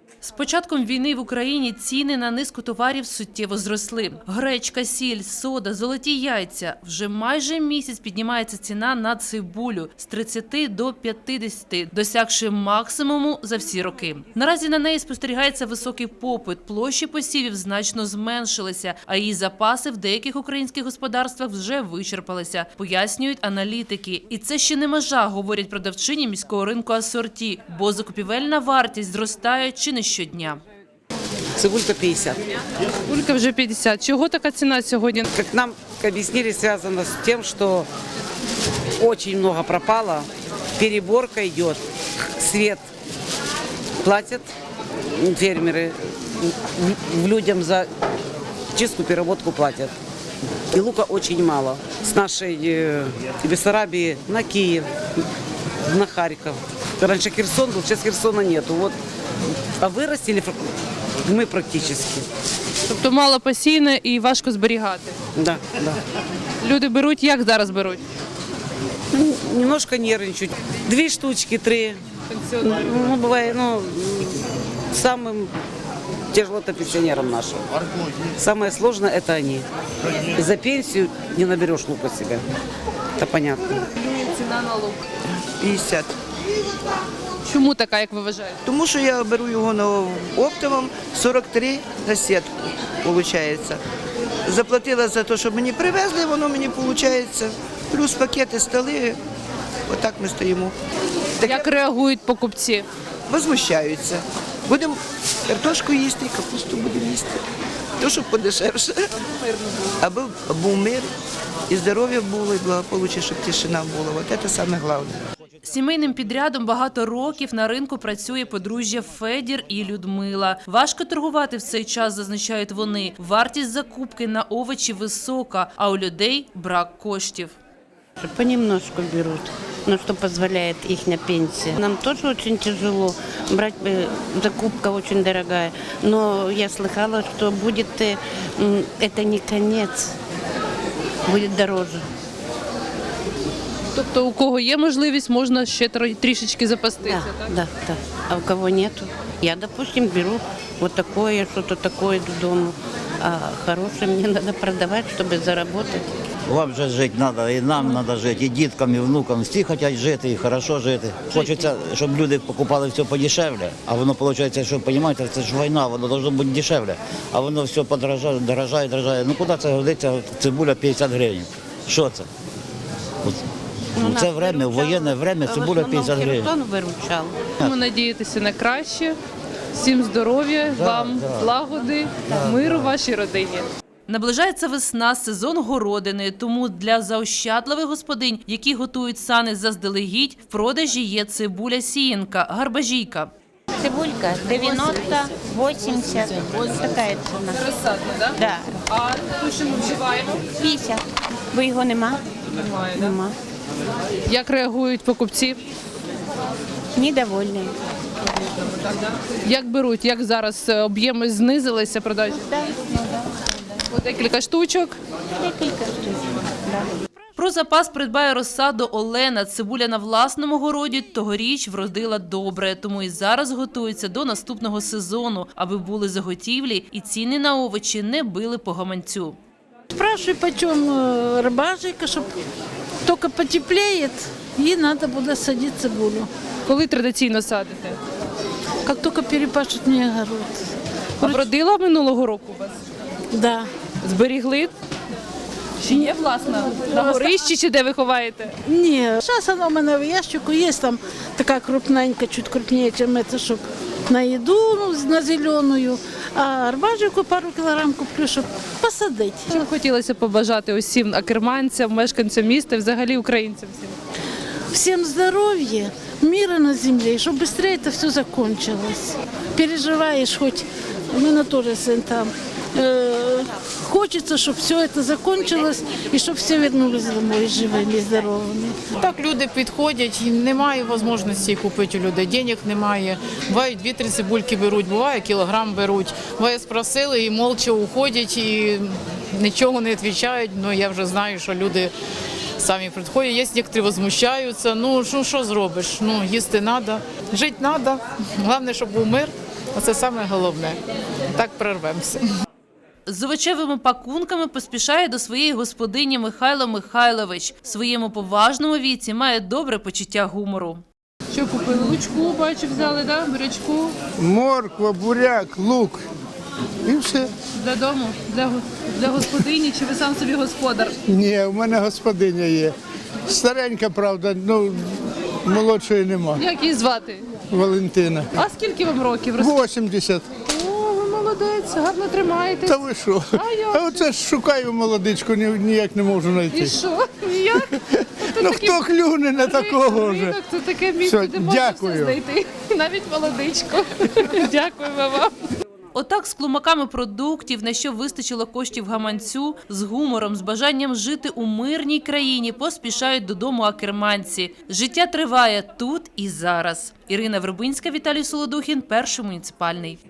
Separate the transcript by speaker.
Speaker 1: З початком війни в Україні ціни на низку товарів суттєво зросли. Гречка, сіль, сода, золоті яйця. Вже майже місяць піднімається ціна на цибулю з 30 до 50, досягши максимуму за всі роки. Наразі на неї спостерігається високий попит, площі посівів значно зменшилися, а її запаси в деяких українських господарствах вже вичерпалися, пояснюють аналітики. І це ще не межа, говорять продавчині міського ринку асорті, бо закупівельна вартість зростає чи не щодня.
Speaker 2: Цибулька 50.
Speaker 1: Цибулька вже 50. Чого така ціна сьогодні?
Speaker 2: Как нам объяснили, связано с тем, что очень много пропало, переборка идет, свет платят фермеры, людям за чистку, переработку платят. И лука очень мало. С нашей Бессарабии на Киев, на Харьков. Раньше Херсон был, сейчас Херсона нету. Вот. А вырастили мы практически.
Speaker 1: Тобто мало посійне і важко зберігати.
Speaker 2: Да, да.
Speaker 1: Люди беруть, як зараз беруть?
Speaker 2: Ну, немножко нервничают. 2 штучки, 3. Ну, бывает, самым тяжело это пенсионерам нашим. Самое сложное это они. За пенсию не наберешь лука себе. Это понятно.
Speaker 1: Ціна на лук.
Speaker 3: 50.
Speaker 1: Чому така, як ви вважаєте?
Speaker 3: Тому що я беру його на оптовом 43 за сітку, виходить. Заплатила за те, щоб мені привезли, воно мені виходить. Плюс пакети, столи. Отак ми стоїмо.
Speaker 1: Як реагують покупці?
Speaker 3: Возмущаються. Будемо картошку їсти, капусту будемо їсти. То, щоб подешевше. Аби був мир, і здоров'я було, і благополуччя, щоб тишина була. От це саме головне.
Speaker 1: Сімейним підрядом багато років на ринку працює подружжя Федір і Людмила. Важко торгувати в цей час, зазначають вони. Вартість закупки на овочі висока, а у людей брак коштів.
Speaker 4: Понемножку берут, но что позволяет их пенсия. Нам тоже очень тяжело, брать закупка очень дорогая, но я слыхала, что будет, это не конец, будет дороже.
Speaker 1: Тобто у кого є можливість, можна ще трішечки запастися, так?
Speaker 4: Да. А у кого нету? Я, допустим, беру вот такое, что-то такое додому, а хорошее мне надо продавать, чтобы заработать.
Speaker 5: Вам же жити треба, і нам треба жити, і діткам, і внукам. Всі хочуть жити, і хорошо жити. Хочеться, щоб люди покупали все подешевле, а воно виходить, що, розумієте, це ж війна, воно має бути дешевле. А воно все дорожає. Ну куди це годиться, цибуля 50 гривень? Що це? Це время, в воєнне время цибуля 50 гривень.
Speaker 4: Херсон виручав.
Speaker 1: Ми надіятися на краще. Всім здоров'я, вам злагоди, миру вашій родині. Наближається весна, сезон городини, тому для заощадливих господинь, які готують сани заздалегідь, в продажі є цибуля-сіянка, гарбажійка.
Speaker 6: Цибулька 90, 80, вот такая цена.
Speaker 1: Розсадна, так?
Speaker 6: Да,
Speaker 1: А ту, що ми вживаємо?
Speaker 6: 50. Бо його нема?
Speaker 1: Немає.
Speaker 6: Нема.
Speaker 1: Як реагують покупці?
Speaker 6: Недовольні.
Speaker 1: Як беруть? Як зараз об'єми знизилися продажі? По декілька штучок.
Speaker 6: Декілька штук. Да.
Speaker 1: Про запас придбає розсаду Олена. Цибуля на власному городі тогоріч вродила добре, тому і зараз готується до наступного сезону, аби були заготівлі і ціни на овочі не били по гаманцю.
Speaker 7: Спрашиваю, почем рыбажика, чтобы только потеплеет, и надо будет садить цибулю.
Speaker 1: Коли традиційно садите?
Speaker 7: Как только перепашут мне огород.
Speaker 1: А вродила минулого року у вас?
Speaker 7: Да.
Speaker 1: Зберігли? Чи є власна? На горищі чи де ви ховаєте?
Speaker 7: Не, сейчас оно у меня в ящику есть, там такая крупненькая, чуть крупнее, чем это, чтобы на еду, на зеленую. А рыбажику пару килограмм куплю, чтобы посадить.
Speaker 1: Що б хотілося побажати усім акерманцям, мешканцям міста і взагалі українцям всім?
Speaker 7: Всем здоровья, мира на земле, и чтобы быстрее это все закончилось. Переживаешь, хоть у меня тоже сын там. Хочется, чтобы все это закончилось и чтобы все вернулись домой живыми и здоровыми.
Speaker 8: Так люди підходять, і немає можливості купити у людей, денег немає. Буває 2-3 цибульки беруть, буває кілограм беруть. Буває спросили і мовча уходять, і нічого не відповідають. Ну, я вже знаю, що люди самі приходять. Є некоторі возмущаються. Ну, що зробиш? Ну, їсти треба, жити треба. Головне, щоб був мир Оце саме головне. Так прорвемося.
Speaker 1: З овочевими пакунками поспішає до своєї господині Михайло Михайлович. В своєму поважному віці має добре почуття гумору. Що купили? Лучку, бачу, взяли, да? Бурячку
Speaker 9: Морква, буряк, лук і все.
Speaker 1: додому для господині, чи ви сам собі господар?
Speaker 9: Ні, у мене господиня є. Старенька, правда, ну молодшої нема.
Speaker 1: Як її звати?
Speaker 9: Валентина.
Speaker 1: А скільки вам років?
Speaker 9: 80.
Speaker 1: О, ви молодець, гарно тримаєтесь.
Speaker 9: Та ви що?
Speaker 1: як?
Speaker 9: А оце ж шукаю молодичку, ніяк не можу знайти.
Speaker 1: І що? Ніяк?
Speaker 9: Ну хто клюне на такого вже?
Speaker 1: Ринок – це таке місце,
Speaker 9: Все,
Speaker 1: де можна
Speaker 9: дякую.
Speaker 1: все знайти. Навіть молодичку. Дякуємо вам. Отак з клумаками продуктів, на що вистачило коштів гаманцю, з гумором, з бажанням жити у мирній країні, поспішають додому акерманці. Життя триває тут і зараз. Ірина Вербинська, Віталій Солодухін, Перший муніципальний.